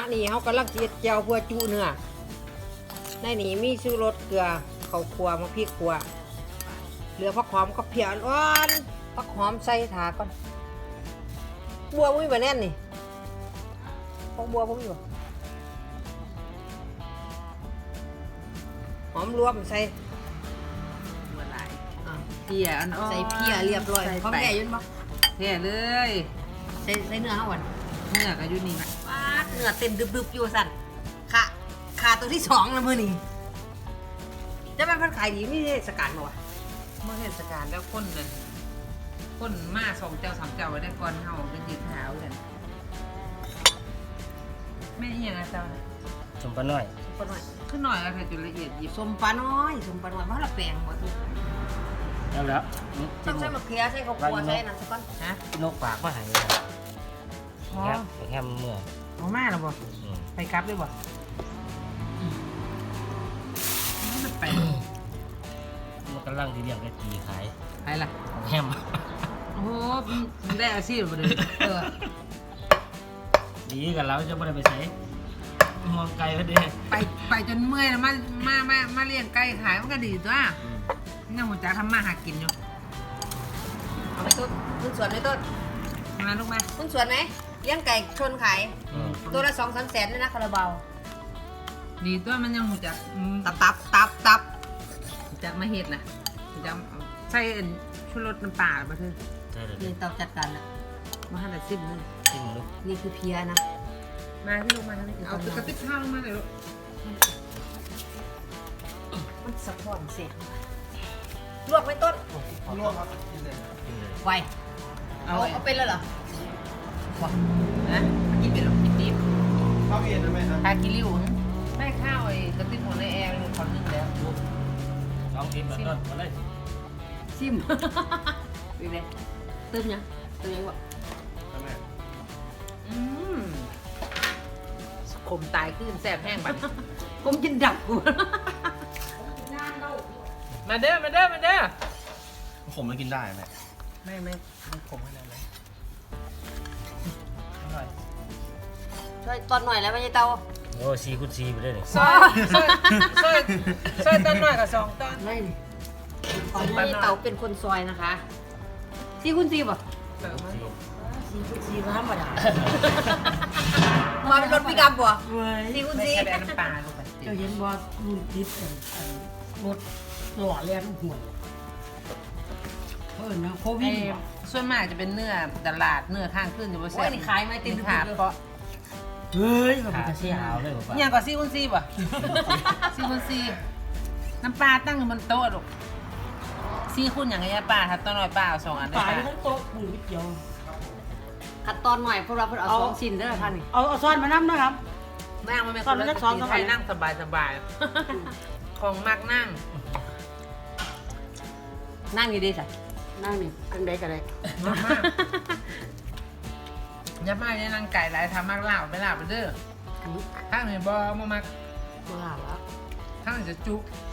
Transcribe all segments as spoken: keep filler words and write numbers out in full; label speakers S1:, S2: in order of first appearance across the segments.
S1: นี้เขากำลังเจียดเจียวเพื่อจุเนื้อในนี้มีชูรสเกลือข้าวคั่วมะพริกคั่วเหลือผักหอมกับเพียอ่อนผักหอมใส่ถาก่อนบัวมุ้ยแบบแน่นนี่พองบัวผมอยู่หอมรวมใส่
S2: บัวลายเพียอ่อนๆ
S1: ใส่เพียเรียบร้อยพร้อมแก่ยืนบ่
S2: เพียเลย
S1: ใส่ใส่เนื้อเขาก่อน
S2: เนื้อก็อยู่นี่
S1: ปาดเนื้อเต็มดึบๆอยู่สั่นขาขาตัวที่สองแล้วมือนี่จะเป็นพันขายดีไม่ได้สกัดมาวะ
S2: เมื่อเทศกาลแล้วคนนั่นคนมาสองเจ้าสามเจ้าไว้ได้ก่อนเฮาเป็นยืนขาวกันแม่อีหยังอะเจ้าน่ะ
S3: สมปะน้อย
S1: ปลาหน่อย
S2: ขึ้นหน่อยเอาเถอะจุดละเอียดหยิบ
S1: สมปลาน้อยสมปลาน้อยเพราะเราแปลงบ่ทุก
S3: แล้วแล้วนี่
S1: ต้องใส่มะเขือใส่ข้าวคั่วใส่น้ำสักก้อน
S2: ฮะ
S3: นกปากมาใหาย
S2: อ๋อ
S3: แฮมแฮมเมื่อ
S2: เอามาแล้วบ่
S3: อืม
S2: ไปกลับด้วยบ่มันจะไป
S3: มันกำลังที่เรียกได้ตีขาย
S2: ไปล่ะ
S3: ของแฮม
S2: โอ้โหมันได้อาชีพบ่เด้อเออ
S3: ดีกันแล้วจะไม่ได้ไปใช้มองไกลพอดี
S2: ไปไปจนเมื่อยแล้วมามามามาเลี้ยงไก่ขายมันก็ดีตัวนี่หัวจ๋าทำมาหากินอยู่
S1: เอาไปต้นต้นสวนไหมต้น
S2: มาลูกมา
S1: ต้นสวนไหมเลี้ยงไก่ชนขาย
S3: อืม
S1: ตัวละสองสามแสนเลยนะคาราบาว
S2: ดีตัวมันยังหัวจ๋าอืม
S1: ตับตับตับตับ
S2: หัวจ๋ามาเฮ็ดนะหัวจ๋าเอาใส่อันชูรสน้ำปลาบ่เถอะ
S3: ใช่เลย
S1: นี่เตาจัดการแล้ว
S2: มาให้ได้ซิมนึง
S3: จิ้มลูก
S1: นี่คือเพียนะ
S2: มาพี่ลูกมาทางนี้เอากระติกข้าวลงมาเลยลูก
S1: มันสะท้อนเสร็จลวกไหมต้น
S4: ลวกครับกินเลย
S3: กินเลย
S1: ไว
S2: เอา
S1: เอา
S2: ไว้
S1: เอาเป็นแล้วเหรอว้า
S2: นะกินเป็นหรอกินดิบ
S4: ข้าวเย็นนะแม่นะ
S2: ทากิริวแม่ข้าวไอ้กระติกหมดในแอร์ลูกคนนึงแล้ว
S3: สองทีมแบบนั้นมาเลย
S1: ซิมเป็นไงเติมยังเติมยังวะ
S4: แม่
S2: อืมขมตายขึ้นแสบแห้งบัด
S1: ผมกินดับกู
S2: มาเด้อมาเด้อมาเด้อ
S4: ผมมันกินได้แม่
S2: ไม่ไม่ไม่ขมขนาดนั้นอร่อย
S1: ช่วยตอนหน่อยแล้วไม่ใช่เตา
S3: โอ้ซีคุณซีไปเลยนี่
S2: ซอยซอยซอยซอยตอนหน่อยกับสองตอน
S1: ไม่นี่ตอนนี้เตาเป็นคนซอยนะคะซีคุณซีป่ะ
S2: เติมมาลูก
S1: ซีคุณซีธรรมดามาเป็นรถปิกอัพป่ะซีคุณ
S2: ไม่
S1: ซี
S2: ใช่แบบน้ำปลาลูกไป
S5: เจ้าเห็นว่ารุ่นติดกันรถหล่อเลียนห่วยเพิ่นนะโควิ
S2: ไอ้
S5: ดบ่
S2: ส่วนมากจะเป็นเนื้อตลาดเนื้อข้างขึ้นจะบ่
S1: โอ้
S2: แซ่
S1: ย
S2: บ
S1: นี่ขายไหมติด
S2: เป็น
S1: ดึก
S2: ขา
S1: ๆเลย
S2: เพราะ
S5: เฮ้ยก็
S3: ขา
S5: เป็น
S3: ซี
S5: เสีย
S3: หาวเลยผมว่า
S2: เนี่ยก็ซีคุณซีป่ะซีคุณซีน้ำปลาตั้งอยู่บนโต๊ะลูกซีคุณอย่างไรป้าถ้าต้นน้อยป้าเอาสองอันได้
S5: ตาย
S2: ป้า
S5: ทั้งโต๊ะมือนิดเดียว
S1: ขัดตอนหน่อยเพราะเราเพิ่งเอาสองชิ้นเด้อท่านนี่
S5: เอาเอาซ้อนมาน้ำนะครับ
S2: นั่งมันเป็น
S5: ตอนนั้นซ้อม
S2: ไทยนั่งสบายสบายของมากนั่ง
S1: นั่งอยู่ดีสิ
S5: นั่งนี่อันใดก็ได้
S2: ยับมากยับมากเนี่ยนั่งไก่หลายทำมากลาบไปลาบไปเด้อ
S1: อันนี้
S2: ข้างหนึ่งบอมามาก
S1: เวลาแล้ว
S2: ข้างหนึ่งจะจุ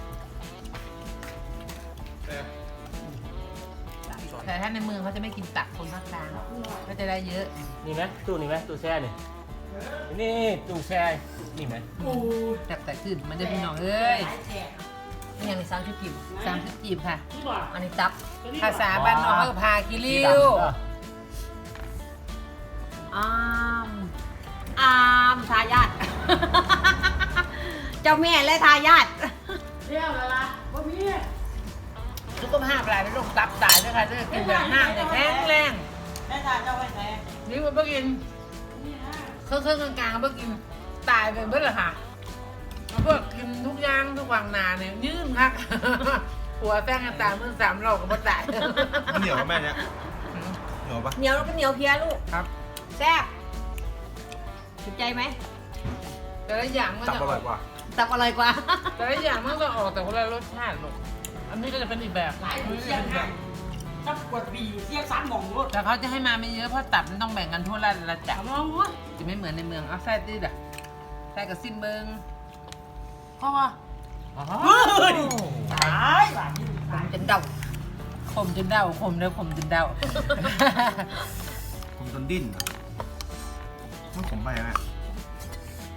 S2: แต่ถ้าในเมืองเขาจะไม่กินตักคนภาคกลางก็จะได้เยอะ
S3: นี่ไหมตู้นี่ไหมตู้แช่นี่นี่ตู้แช่นี่ไหม
S2: แต่แต่ขึ้นมันจะพี่น้องเอ้ย
S1: นี่ยังในสามชุดกิม
S2: สามสิบจีบค่ะ
S1: อันนี้ตับ
S2: ภาษาบ้านนอกเขาก็พากิริว
S1: อามอามทายาท เจ้าแม่และทายาท
S5: เรียวแล้วล่ะบ่มี
S2: สุขภาพอะไรไม่ลงตับตายด้วยค่ะจะกินแบบห้างจะแข็งแรง
S5: แม่ทานเจ้าไว้แท้
S2: นี่มันเพิ่งกินเครื่องเครื่องกลางๆเพิ่งกินตายไปเบิ้ลละค่ะมาเพิ่งกินทุกอย่างทุกวังนาเนี่ยยืนคัก หัวแป้งกันตายเมื่อสามรอบก็บ่ตาย
S4: มันเหนียวกับแม่เนี่ยเหนียวปะ
S1: เหนียวแล้วก็เหนียวเพียลูก
S2: ครับ
S1: แซ่บถูกใจไหม
S2: แต่ละอย่างมัน
S4: ตับ
S2: จะ
S4: อร่อยกว่า
S1: ตับอร่อยกว่า
S2: แต่ละอย่างมันก็ออกแต่คนละรสชาติลูกอันนี้ก็จะเป็นอีกแบบ
S5: หลายปีเสียงหางถ้ากวดปีเสียงสามหม่องรถ
S2: แต่เขาจะให้มาไม่เยอะเพราะตับมันต้องแบ่งกันทั่วละละจั
S5: ถาก มว่าโอ้ย
S2: จะไม่เหมือนในเมืองเอาแซ่ดิด่ะแซ่กับซิมเบิง
S5: เพราะว่า
S3: อ๋อ
S5: ตายว่ะนี่
S1: ผ
S5: ตาม ย
S1: จนเดา
S2: ขมจนเดาขมเลยขมจนเดา
S4: ผมจนดิ้นอะมันขมไปแม่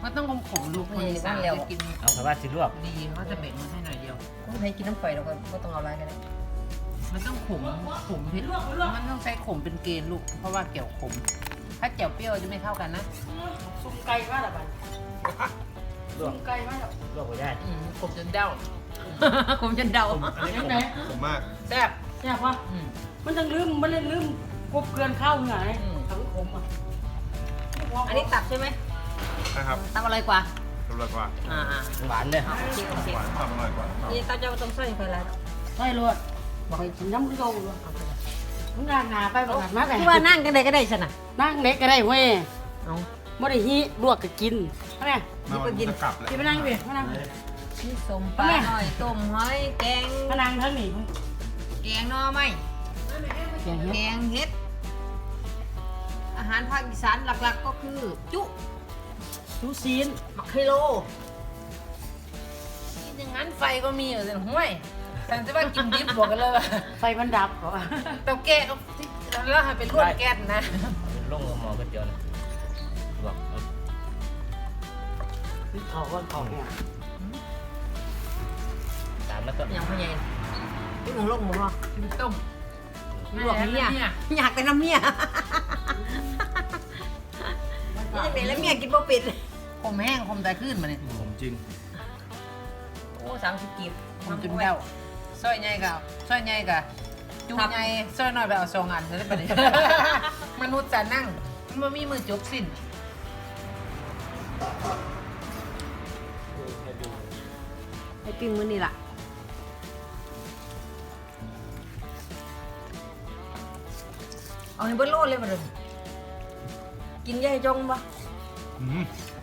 S2: มันต้องขมขมๆลูกคนอีสานจะกิน
S3: เอาไปว่าสิลวก
S2: ดีเขาจะเบ็ดมันให้หน่อยเดียว
S1: ไม่ให้กินน้ำไฟเราก็ไม่ต้องเอาอะไรกันเลย
S2: มันต้องขมขมเผ็ดมันต้องใช้ขมเป็นเกณฑ์ลูกเพราะว่าแก้วขม ถ้าแก้วเปรี้ยวจะไม่เข้ากันนะ
S5: ซุ่มไก่มาแล้วบัด
S3: ลว
S5: ซุ่
S3: ก
S5: มไก่มาแล้ว
S3: ลวกไปได้
S2: อืมขมจนเด้า
S1: ผมจะเดา
S4: อันนี้
S5: ยั
S4: ผ
S5: ง
S4: ม
S5: ไง
S4: ผมมาก
S2: แซ่บ
S5: แซ่บวะ
S2: อืม
S5: มันต้องลืมมันเล่นลืมกบเกลือนข้าวเหงื่อไง
S2: อืม
S5: ทั้งผมอ่ะ
S1: อันนี้ตับใช่ไหม
S4: นะครับ
S1: ตับอะไรกว่า
S4: อร่อยกว่า
S1: อ่า
S3: หวานเลย
S1: ๆโอเคโอเค
S4: หวานความอร่อยกว่า
S1: นี่ตับจะมาต้มใส่ไฟแล้ว
S5: ใช่เลยบอกให้กินน้ำกระโดดเลยมึงงานหนาไปบอกกันมาไง
S1: ที่ว่านั่งกันได้ก็ได้ชนะ
S5: นั่งเล็กก็ได้เว้ย
S1: เอา
S5: ไม่ได้ฮีลวกก็กินเอาไง
S4: มาวันนี้จะกลับแล้ว
S5: กินมานั่งดิมานั่ง
S1: ที่สมปลาหน่อยต้มหอยแกง
S5: มานั่งทั้งนี้
S1: แกงหน่อไม้
S5: แกงเห็ด
S1: แกงเห็ด อาหารภาคอีสานหลักๆก็คือ จุ
S5: ชูซีน
S1: มักไฮโล
S2: กินอย่างนั้นไฟก็มีอยู่แต่ห้วยแต่จะว่ากินดิบบอกกันเลยว่า
S5: ไฟมันดับเหรอ
S2: เตาแก๊สก็แล้วให้เป็นลวดแก๊สนะ
S3: เป็นลงหมอก๋วยเตี๋ยวนะลวกเอา
S5: พี่เขาก็เขาเนี่ย
S3: ตามแล้วก็
S1: อย่างพ่อใหญ่ที่มึงลงมึงเหรอ
S2: กินต้ม
S1: ลวกเมียอยากแต่น้ำเมียนี่จะเป็นแล้วเมียกินบ่เป็ด
S2: ขมแห้งขมแต่ขึ้นมาเนี่ย
S4: ผมจริง
S1: โอ้สามสิบกีบ
S2: ขมจนเด้าซอยใหญ่กับซอยใหญ่กับจูใหญ่ซอยน้อยไปเอาสองอันจะได้ปะเนี่ย มนุษย์จะนั่งมันบ่มีมือจบสิ้น
S1: ให้ปิ้งมื้อนี่ล่ะเอาให้เบิ้ลโลดเลยมาเลยกินยายจงปะ
S4: อืม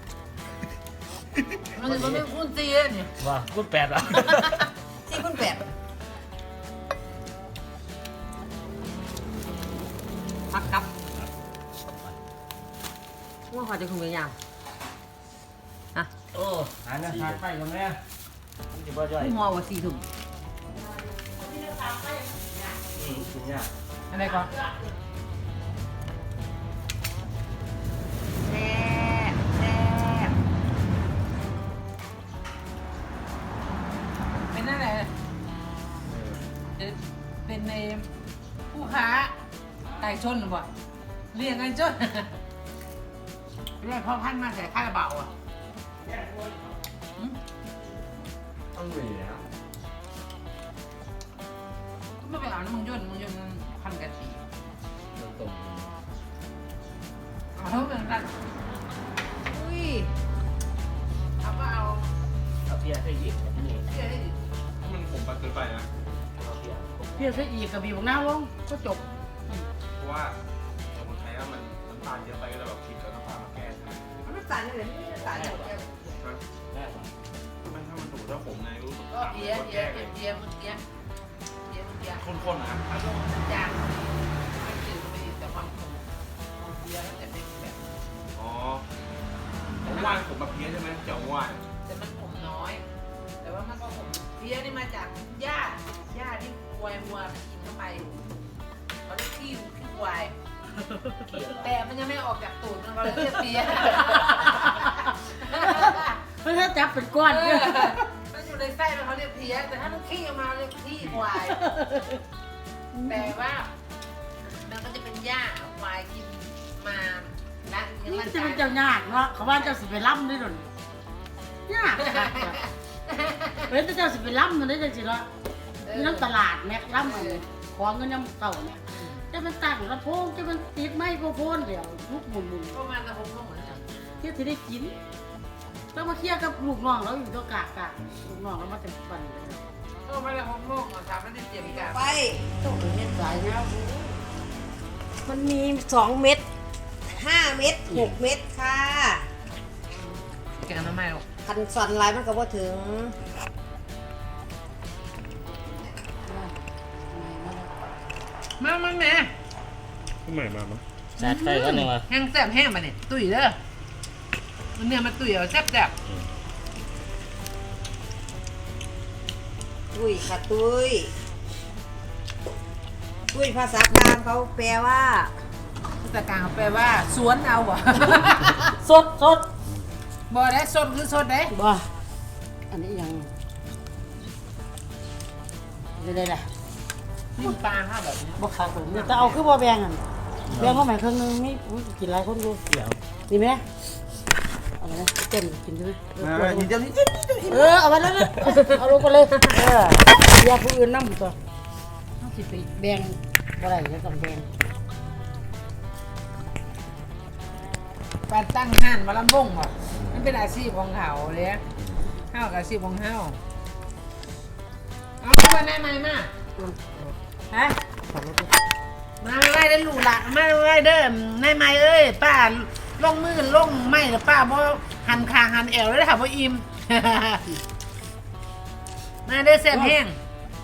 S2: มันจะไม่คุ้นเตี้ยเนี่ย
S3: ว่าพูดแปดเหรอ
S1: สี่คูณแปดพักครับว่าขอจะคุยยาวอ่ะ
S3: โอ้หาหน้าทานไฟกันแม่มันจะบ่ย่อย
S1: พุ่งหัวว่าสี่ถุง
S3: อืมกินยาก
S2: อะไรก่อน
S1: แซ่บแซ่บ
S2: เป็นนั่นแหละเป็นในผู้ค้าไก่ชนหรือเปล่าเรียกไก่ชน เรียกพ่อพันธุ์มาใส่ข้าวเบาอ่ะ
S4: ต้องมีแล้ว
S2: ก็ไม่ไปเอาน้ำมึงย่นมึงย่นมันพันกันสี
S3: มันต้ม
S2: เอาเท่ากันกัน
S1: อุ้ย
S2: เอาก็เอา
S3: เอาเพียใส่อีกแบบนี้
S2: เชื่อได้ดิ
S4: มันขมไปเกินไปนะ
S3: เอาเพีย
S5: เพี้ยนซะอีกกระบี่บอกหน้าลงก็จบ
S4: เพราะว่าสมุนไพรมันน้ำตาลเยอะไปก็เลยแบบคิดแล้วน้ำตาลมาแก้ใช่ไหม
S1: มันน้ำตาลเลยไม่น้ำตาลเลย
S3: แม่ว่ะ
S4: มันถ้ามันถูกถ้าผมไงรู้สึก
S2: ก็เอียเอียเอียเอียมึงเอียเอียมึงเอีย
S4: ข้นๆนะ
S2: เอาลงมันจางไม่จืดไม่ดีแต่ความขมของเอียแล้วแต่เป็นแบบ
S4: อ๋อผมว่านผมแบบเพี้ยใช่ไหมเจ้าว่าน
S2: แต่มันขมน้อย แต่ว่ามันก็ขมเพี้ยนี่มาจากหญ้าหญ้าที่ควายวัวมันกินเข้าไปเขาเรียกขี้ขี้ควายแต่มันยังไม่ออกจากตูดมันก็เลยเรียกเพี้ย
S5: เพราะถ้าจับเป็นก้อน
S2: เอ
S5: เนี่ย
S2: อมันอยู่ในไส้มันเขาเรียกเพี้ยแต่ถ้ามันขี้ออกมาเรียกขี้ควาย แต่ว่ามันก็จะเป็นหญ้าควายกินมาละเลี้ยง
S5: นี่
S2: ร่าง
S5: จะ
S2: กา
S5: เป็น
S2: ย
S5: เจ้ายากเนาะเขาว่าเจ้าสิไปล่ำด้วยหรอยากค่ะเฮ้ยแต่เจ้าสิไปล่ำมันได้จังสิเนาะมีน้ำตลาดแม็กล่ำมันของเงินน้ำเต่าเนี่ยจะมันตั้งลำโพงจะมันติดไม้โครโฟนเดี๋ยวลุกหมุนหมุน
S2: ก็มาตะพงก็เหมือนกัน
S5: เที่ยวที่ได้กินต้องมาเคลียร์กับลูกน้องเราอยู่ตัวกากกะลูกน้องเรามาเต็มปันเลย
S2: ก็มาตะพงโลกอ่ะทำไม่ได้เจียมกัน
S1: ไป
S5: ต้องเป็นเม็ดสายนะ
S1: มันมีสองเม็ดห้าเม็ดหกเม็ดค่ะ
S2: แกงน้ำไม่หรอก
S1: คันสันลายมันก็บ่ถึง
S2: มามาแม่
S4: ทำไมมามั้ง
S3: สาดไฟก็นี่วะ
S2: แห้งแซ่บแห้งมาเนี่ยตุ๋ยเด้อมันเนี่ยมันตุ๋ยเอาแซ่บแซ่บ
S1: ตุ้ยค่ะตุ้ยตุ้ยภาษากลางเขาแปลว่า
S2: ภาษากลางแปลว่าสวนเอาอ่ะ
S5: สดสด
S2: บ่ได้สดคือสดเด้
S5: บ่อันนี้ยังได้ได้ละ
S2: นี่ปลาค่ะแบบนี้
S5: บ่คักเลยเนี่ยแต่เอาคือบ่แบ่งอ่ะแบ่งเข้ามาครึ่งนึงนี่อุ๊ยกินหลายคนอยู่
S3: เดี๋ยว
S5: นี่ไหมเอาไปนะเต็มกินใช่ไหม
S4: มาทีเดียวนี้เดียวนี้
S5: เออเอาไปแล้วนะเอาลงไปเลยเอออย่าผู้อื่นนำตัวต้องสิไปแบ่งบ่ได้จะต้องแบ่ง
S2: ปลาตั้งห่านมาลำบงบ่มันเป็นอาชีพของเขาเลยเฮากับอาชีพของเฮาเอาเข้ามาได้ไหมมาฮะ
S5: ขับรถไป
S2: มาไล่ได้หลูหละมาไล่เด้อในไม้เอ้ยป้าลงมือลงไม้หรือป้าบ่หันคางหันแอวเลยค่ะบ่อิ่ม มาเด้อแซ่บแห้ง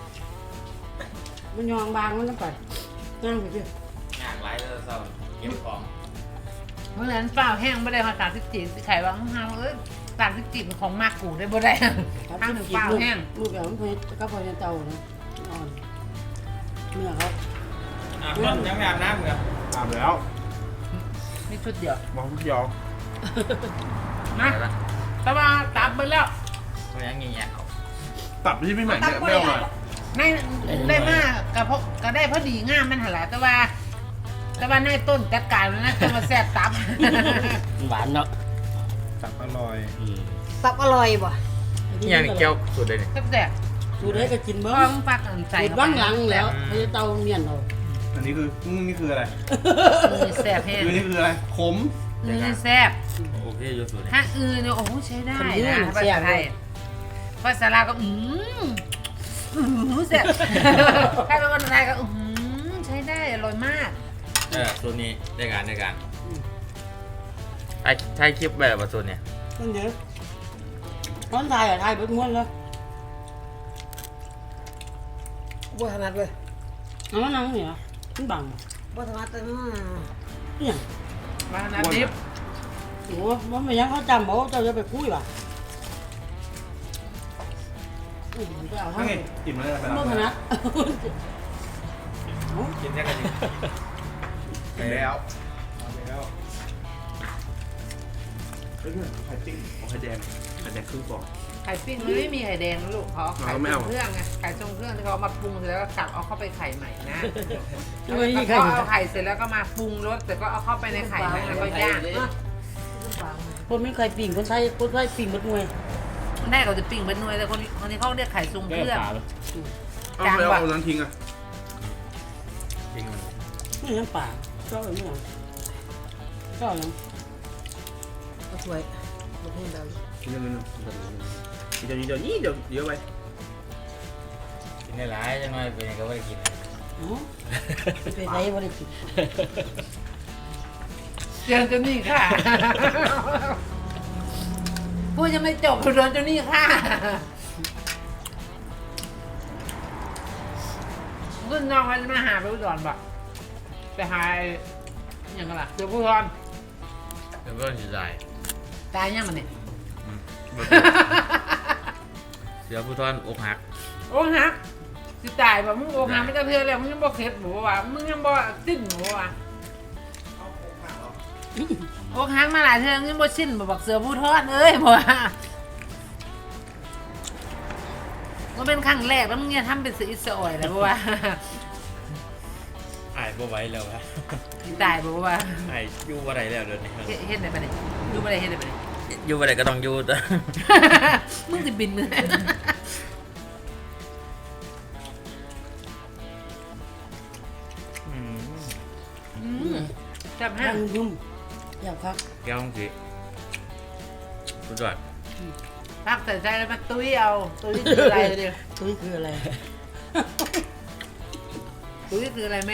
S5: มันยองบางมันต้องไปนั่งไปดิ
S4: อยากไล่เลยเศร้าเก็บของ
S2: เมื่อนั้นเปล่าแห้งไม่ได้มาสามสิบจีไข่วางห้างเอ้ยสามสิบจีเป็นของมากกูได้บ่ได้ห้างหนึ่งเปล่าแห้ง
S5: ลูกแบบมันเพชรก็พอจะเตานะอ่อนเนื้อเขา
S4: อ่ะคนยังไม่อาบน้ำเหรออาบแล้ว
S2: มีชุดเดียว
S4: มองทุกยอง
S2: นะแต่ว่าตับไปแล้ว
S3: มันยังเงี้ย
S4: ตับที่พี่ใหม่เนี่ยไม่เอาหน่อย
S2: ในได้มากกับพก็ได้พอดีงามมันหนละแต่ว่า แต่ว่าในต้นจัดการมันนะจะมาแซ่บตับ
S3: หวานเนาะ
S4: ตับอร่อย
S3: อืม
S1: ตับอร่อยบ่
S3: นี่ยังเกี่ยวสุดเลยเนี่ย
S2: แซ่บแซ่บ
S5: สูดได้ก็กิน
S2: ๆ
S5: เบิ้
S2: เพราะมันฟักอันใส่
S5: สูดบ้างหลังแล้วพอจะเตาเมียนเรา
S4: อันนี้คือนี่คืออะไร
S2: นี่แซ่บแห้ง
S4: คือนี่คืออะไรขม
S2: นี่แซ่บ
S3: โอเคอยู่สุดเลย
S2: ถ้าอือเนี่ยโอ้โหใช้ได้นะภาษาไทยภาษาลาวก็อืมอืมแซ่บ ถ้าเป็นคนไทยก็อืมใช้ได้อร่อยมาก
S3: เออส่วนนี้ได้การได้การไอ้ใช้คลิปแบบว่าส่วนเนี่ย
S5: นั่นเดี๋ยวน้องไทยอ่ะไทยเบิ้งม้วนเลย
S1: บ่ถนัดเลย
S5: เอามานั่งเนี่ยมันบัง
S1: บ่ถนัดแต่อืม
S5: เนี่ย
S2: มาน้ำดิบ
S5: โอ้มันไม่ยังเขาจำบอกเจ้าจะไปคุยป่ะอืมไปเอา
S4: ทั้
S5: ทั้
S4: ง
S5: ง
S4: ไงกินมาเลยไป
S5: มันถนัด
S3: กินแค่กัน
S4: ไปแล้วไปแล้วเฮ้ยไข่ปิ้งของไข่แดงไข่แดงครึ่งฟอง
S2: ไข่ปิ้งมันไม่มีไข่แดงนะลูกเขาเอาไข่
S4: เอาไม่
S2: ทร
S4: เอา
S2: งเครื่องไงไข่ทรงเครื่องที่เขาเอามาปรุงเสร็จแล้วก็กลับเอาเข้าไปไข่ใหม่นะ
S5: ช่วย
S2: แล้ว
S5: ยี่
S2: ก็
S5: ใคร
S2: เอาไข่เสร็จแล้วก็มาปรุงรสแต่ก็เอาเข้าไปในไข่นั้นแล้วก็ย่าง
S5: คนไม่เคยปิ่งคนไทยคนไทยปิ่งหมดมวย
S2: แม่เขาจะปิ้งเป็นหน่วยแต่คนนี้คนนี้เขาเรียกไข่ทรงเครื่อง
S4: เอาไปเอานั้นทิ้งอ่ะ
S3: จริงมัน
S5: ไม่ยังป่าชอบอะไรไม่ยังชอบยัง
S1: เอาถ้วยบ่เพิ่นเดา
S4: เดี๋ยวเดี๋ยวเดี๋ยวนี้เดี๋ยวเดี๋ยวไป
S3: กินได้หลายจังเลยเป็นก็ไม่ได้กิน
S5: อ๋อไปใส่บริกิน
S2: เจอเจ้านี่ค่ะ พูดยังไม่จบโดนเจ้านี่ค่ะรุ่นน้องเขาจะมาหาไปอุดรบ่ไปหาอย่างไรล่ะเจอผู้ทอน
S3: เดี๋ยวก็จะตาย
S2: ตายยังมันเนี่ย
S3: เสือผู้ทอนอกหัก
S2: โอ้ฮักสิตายแบบมึงโอ้ฮักไม่จะเพื่อแล้วมึงยังบ่เข็ดหมูว่ะมึงยังบ่สิ้นหมูว่ะโอ้ฮักมาหลายเทื่อมึงยังบ่สิ้นบ่บักเสือผู้ทอดเอ้ยบ่ว่าก็เป็นครั้งแรกแล้วมึงเนี่ยทำเป็นสีสวยแล้วบ่ว่า
S3: ไอ้บ่ไหวแล้วฮะ
S2: สิตายบ่ว่า
S3: ไอ้อยู่บ่ได้แล้วเดี๋ยวนี้
S2: เฮ็ดเฮ็ดได้ปะเนี่ยอยู่บ่ได้เฮ็ดได้ปะเนี่ย
S3: อยู่บ่ได้ก็ต้องอยู่แต่
S2: มึงสิบินมื้อ
S3: อืม
S2: อืมจับ
S5: ห้า
S2: ห้าง
S5: ยุ่มอยากพัก
S3: แก้วของสิสุดยอด
S2: พักใส่ใจแล้วมาตุ้ยเอาตุ้ยคืออะไรเดี๋ยว
S5: ตุ้ยคืออะไร
S2: ตุ้ยคืออะไรแม่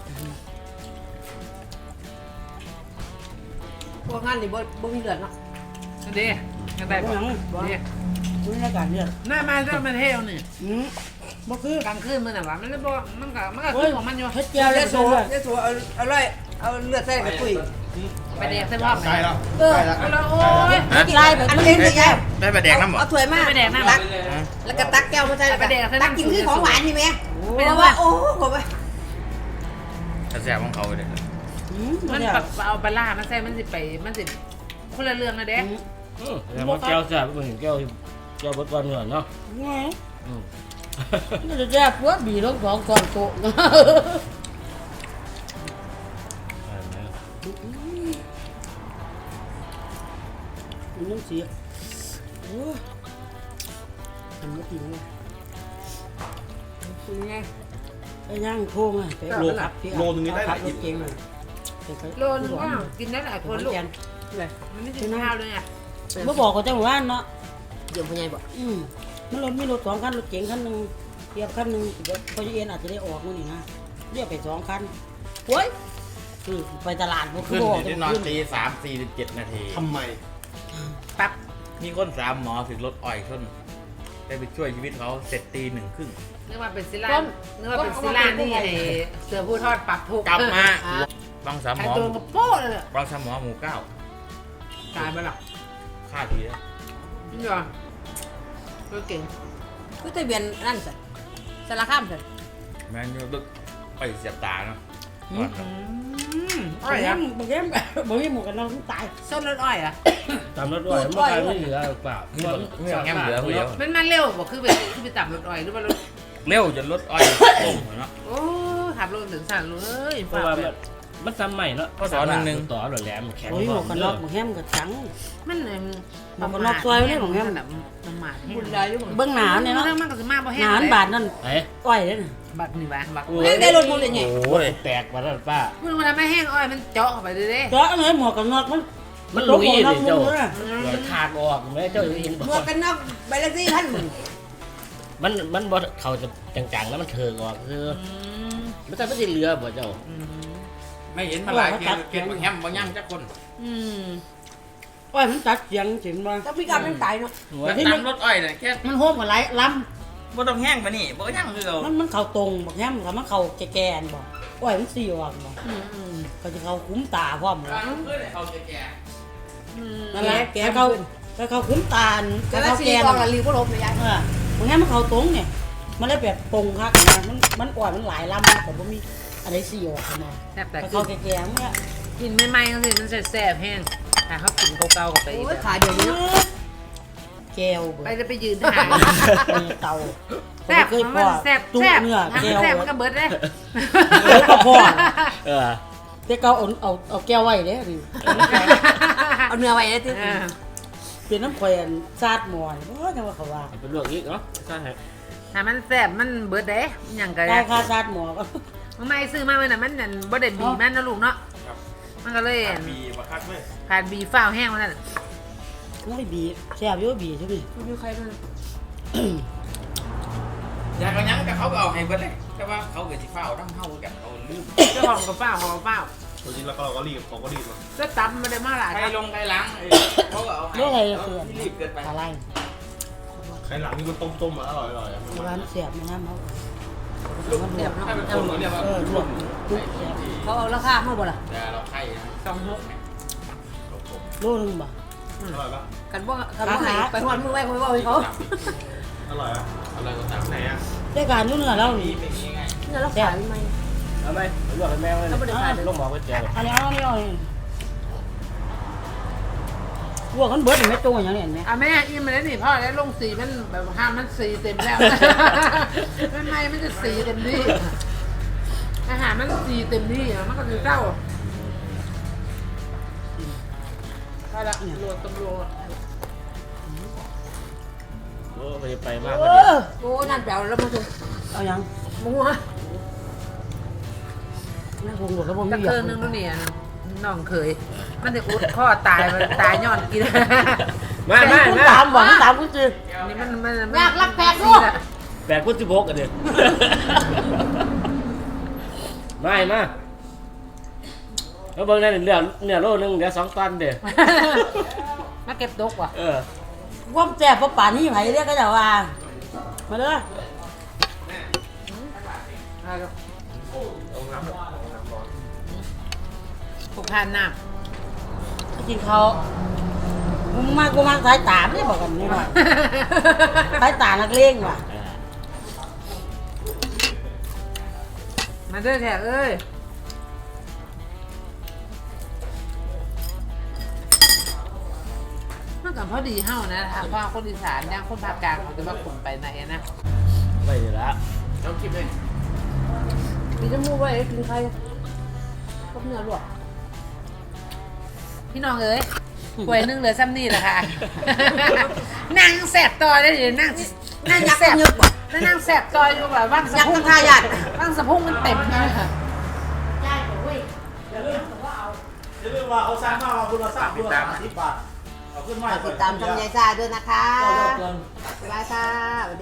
S1: พวกงานนี่บ่บ่มีเลือดเนาะ
S2: ดีกันได้ปะดี
S5: ตุ้ยในการเลือด
S2: หน้ามาเรื่องมันเที่ยวนี่
S5: อืมบ่คือก
S2: ลางคืนมันน่ะวะมันเลยบ่มันก็มันก็คือของมันอยู่
S5: เฮ็ดเจียว
S1: เลื
S5: แล้
S1: อ
S5: ว
S1: ดโซ
S5: เลือด
S1: เลือดโซเอาเอาเลยเอาเลือดใส่กับตุ้ย
S2: ไปแดกเส้นพ่อ
S4: ใกล้แล้ว
S1: เออ
S4: ใกล้แล้ว
S2: เอาละโอ้ย
S5: ไล่ไป
S1: อัน
S5: ตุ้ย
S1: นี้สิยาย
S3: ได้ไปแดกน้ำบ่
S1: เอาถ้วยมา
S2: ไปแดกน้ำ
S1: ตักแล้วก็ตักแก้วมาใส่แล้วก็
S2: ไปแดกใส่น้ำ
S1: ตักกินคือของหวานนี่แม่
S2: ไม่
S1: เพ
S2: ต้อง
S1: ราะ
S2: ว่า
S1: ว่าโอ้โหไป
S3: แซ่บของเขาเลย
S5: อืม
S2: มัน
S5: เดี๋ยว
S2: แบบเอาปลาร้ามันใส่มันสิไปมันสิคนละเรื่องนะเด้
S5: อืม
S6: อืมแต่ว่าแก้วแซ่บมันเห็นแก้วแก้วบดก้อนเงินเนาะ
S5: ไง
S6: อืม
S5: นี่จะแย่ปวดบีลงสองก่อนโตะ
S6: ใช่ไหม
S5: มันยังเสียโอ้ยทำไม่ดีเลย
S1: เป็นไง
S5: ไอ้ย่างโค้งอ่ะไปโลครับพี่
S4: โลนึงนี่ได้หลาย
S5: ร
S4: กิ
S5: ถ
S4: โล
S5: เก่งเลย
S1: โลนึงว่ากินได้หลายคนลูก
S5: เลย
S1: มันไม่กินข้าวเลยอ่ะ
S5: เมื่อบอกก็จังหวะเนาะ
S1: เดี๋ยวพ่อใหญ่บอก
S5: อืมมันรถมีรถสองคันรถเก๋งคันหนึ่งเทียบคันหนึ่งเดี๋ยวพอจะเอ็นอาจจะได้ออกมื้อนี่นะเรียกไปสองคันโอ้ยคือไปตลาดพวก
S3: ขึ้น
S5: บอก
S3: ที่นอนตีสามสี่สิบเจ็ดนาที
S4: ทำไม
S3: ปั๊บมีคนสามหมอถึงรถอ้อยชนได้ไปช่วยชีวิตเขาเสร็จตีหนึ่งครึ่ง
S1: นึกว่าเป็นซิลานนึกว่าเป็นซิลานที่ไอ้เสือผู้ทอดปักทุก
S3: กลับมา
S1: อ่ะ
S3: บางสามห
S1: ไอ้
S3: มอ
S1: ตัวกระโป้เลยอะ
S3: บางสามหมอหมู่เก้า
S1: ตายไปหรอก
S3: ฆ่าทีแล้ว
S1: นี่เหรอก็เก่งก็ทะเบียนนั่นสิสารข้ามสิ
S3: แม่งดึกไปเสียบตาเนาะ
S1: อืม
S5: อ้
S1: อ้
S5: อ
S1: อย ย
S5: ยั
S1: อ่ะ
S5: งบางแก้มบางแก้มหมวกกันน็อกตาย
S1: ส้นรถอ้อยอ่ะ
S6: ตามรถด้วยมันกลายไม่เหลือเปล่า
S3: ไม่ต้องไม่ต้องแง้มเหลือคนเดียว
S1: มันมาเร็วบอกคือไปคือไปตับรถอ้อยหรือว่ารถ
S3: เร็วจนรถอ้อยต้มเนาะ
S1: โอ้ขับรถถึงสั่นเลย
S6: เพราะว่ามันมันซ้ำใหม่เนาะต่อหล่อแหลมแข็ง
S5: โอ้ยหมวกกันน็อกบางแก้มก็จัง
S1: มันเลย
S5: หมวกกันน็อกซอยไว้เลยของแม่
S1: แบบประมาทให้
S5: บุญได้อยู่เบื้องหนาเนี่ยเนาะ
S1: มันก็จะมาบ่แห้ง
S5: หนานบาทนั่น
S6: ไอ้
S5: อ้อยเลยนะ
S1: บักนี่วะบัก
S6: โอ้
S1: ได้รถมุนเลยไง
S6: โอ้ยแตกมาแล้วป้า
S1: มึงมันทำให้แห้งอ้อยมันเจาะเข้าไปเลยเด้
S5: เจาะอะไรหมวกกันน็อกมัน
S6: มันลุย
S5: หมวกกันน็อก
S6: เลยเจ้า
S5: มุนเลย
S6: ขาดออกไหมเจ้าเห็น
S1: หมวกกันน็อกใบละสี่พัน
S6: มันมันบ่เขาจะจังๆแล้วมันเถิงออกคือมันจะไม่ได้เหลือบ่เจ้า
S3: ไม่เห็นมาหลายเกมเกมบางแฮมบางย่างจักคน
S1: อืม
S5: อ้อยมันตัดเสียงเสียงมา
S1: ต้องมีการเป็นตายเนาะ
S3: แล้วตามรถอ้อยเนี่ยแค่
S5: มันโฮมกับไรล
S3: บ่ต้องแห้งปะนี่บ่ย่างคือเอา
S5: ำมันมันเข่าตรงบอกแฮมกับมันเข่าแก่ๆบอกอ้อยมันสี่ออกบอก
S1: อืมอืม
S5: ก็จะเข่าคุ้มตาพร้อมเลย
S3: เพื่อนเขาจะแก่
S1: อืม
S5: นั่นแหละ
S1: แก
S5: แต่เขาแต่เขาคุ้มตา
S1: แต่
S5: แต่
S1: ละ
S5: เขา
S1: สี่
S5: แก่
S1: กองละริวก็ลบเลยยาย
S5: เออบอกแฮมมันเข่าตรงเนี่ยมันเลยแบบตรงคักนะมันมันอ้อยมันหลายลำแต่บ่มีอะไรสี่ออกมา
S1: แซ่บแต่
S5: แต่
S1: กิ
S5: เขาแก่ๆเนี่ย
S1: กินใหม่ๆก็สิมันแซ่บๆแห้งแต่เขากินเก่าๆกับไปอีกขาเดียวนี้
S5: แก้ว
S1: ไปจะไปยืนทหาร
S5: เตา
S1: แซ่บ
S5: เคย
S1: มัน
S5: พ่อ
S1: แซ่บ
S5: จุ
S1: แซ่บ
S5: เนื้อแก้ว
S1: แซ่บมันก็เบิดเลย
S5: เออก็พ่อ
S6: เออ
S5: แต่เขาเอาเอาเอาแก้วไว้เด้ดิ
S1: เอาเนื้อไว้เลยที่
S5: เป็นน้ำแขวนซาดหมอนเพราะจังว่าเขาว่า
S6: เป็นเรื่องอีกเนาะใช่
S1: ถ้ามันแซ่บมันเบิดเด้อย่างก็
S5: ได้ค่าซาดหมอก็
S1: มันไม่ซื้อมาเมื่อน่ะมันนั่นบ่ได้บีมันนะลูกเนาะมันก็เลย
S4: มีบักคักเลย
S1: ขาดบีฟ้าวแห้งมันนั่น
S5: น้อยบีแซ่บอยู่บีใช่ไหม
S1: มีใครมัน
S3: อยากกันยังแต่เขาก็เอาให้เบิดเลยแต่ว่าเขาเกิดสิฟ้าวน้ำเฮากันเขาลืม
S1: เจ้าของกับฟ้าวของกับฟ้าว
S4: ตัวจริงแล้วก็เราก็รีบเขาก็รีบมา
S1: ก็ตับมันได้มาหลาย
S3: ใครลงใครล้างเขาก็เอาให้
S5: เรื่องอะไรเสื่อม
S3: รีบเกินไป
S5: อะไร
S4: ใครหลังนี่มันต้มๆมาอร่อยๆอ่ะ
S5: ร้านแซ่บนะฮะเขา
S1: เสียบเนาะ
S4: ถ้าเป็นคนเขาเรียกว่า
S5: เออลวกจุ๊บแซ่บ
S1: เขาเอาราคาเท่าบ่ล่ะ
S3: แต่เราไข่นะ
S1: สองหก
S5: โลนึงบ่
S4: อร่อยปะ
S1: กันบ่กันบ่ให้ไปฮอดมือไว้คอยบอกให้เขา
S4: อร่อยอ่ะ
S3: อะไรก็ตาม
S4: ไหนอ่ะ
S5: ได้การนู่นน่ะแล้วนี่
S3: เป็นยังไง
S1: เนี่ยเราขายไหม
S6: เอาไหมเลือกให้แม่เลยลงหมอไปแจก
S5: อันนี้เอานี่เอานี่พวกกันเบิดไม่ตรงอย่างนี้เห็นไหม
S1: อ่ะแม่อิ่มมาแล้วนี่พ่อแล้วลงสีมันแบบห้ามมันสีเต็มแล้วมันไม่มันจะสีเต็มที่อาหารมันสีเต็มที่มันก็จะเศร้าไปละรวมตำรวจ
S6: โอ้ไปไปมาก
S5: เอ
S6: เลย
S5: อ
S1: โอ้นั่นแปลวแล้วมาถึง
S5: เอายัง
S1: มัว
S5: น่าคงหมดแล้วบ่มี
S1: ตะ
S5: เหยีย
S1: เกิน
S5: บ
S1: นึงนู่นเนี่ยน้องเคย มันจะอุดข้อตายมันตายย้อนกิน
S6: มามา
S5: คุณ
S6: มา
S5: ตามบ่คุณตามคุณจือ
S1: นี่มันมัน
S5: อยากรักแปลกลูก
S6: แปดพุทธิบกกันเด็ดไม่มาแล้วเบิ่งได้เนื้อเนื้อโลนึงเดี๋ยวสองตันเด้อ
S1: มาเก็บตกว่ะ
S6: เออ
S5: ความแซ่บเพราะป่านนี้ไผเรียกก็จะว่ามาเด้อ
S4: เอาน้ำแบบน้ำร้อน
S1: ผูกพันน้
S5: กินเขากูมากูมาสายตาไม่ได้บอกกันนี่หน่อยสายตานักเลงว่ะ
S1: ำมาเด้อแท้เอ้ยมันก็
S2: กับพอดีเฮ้านะทางพ่อคนอีสานย่างคนภาคกลางเขาจะมาขุนไปไหนนะ
S6: ไม่อยู่แล้ว
S3: ต้องคิดเลย
S1: กินจมูกไว้กินใครพวกเนื้อลวก
S2: พี่น้องเอ้ยป่วยนึงเหลือซ้ำนี่แหละค่ะ นั่งแสบต่อได้เลยนั่งนั่งแสบแล้วนั่งแสบต่ออยู่แบบว่างสะ
S1: ยัก
S2: พุ
S1: ษ์
S2: ง
S1: ข้างทายาด
S2: ว่างสะพุงมันเต็มเลยค่ะ
S5: ได้เว้ย
S6: อย่าลืมอย่าลืมว่าเขาสร้างมาว่าคุณเราสร้างคุณเราสร้างสิบบาทเอาขึ้นมา
S1: ติดตามทำยายซ่าด้วยนะคะ
S6: ก็เลิกเกิน
S1: บ๊ายบายค่ะ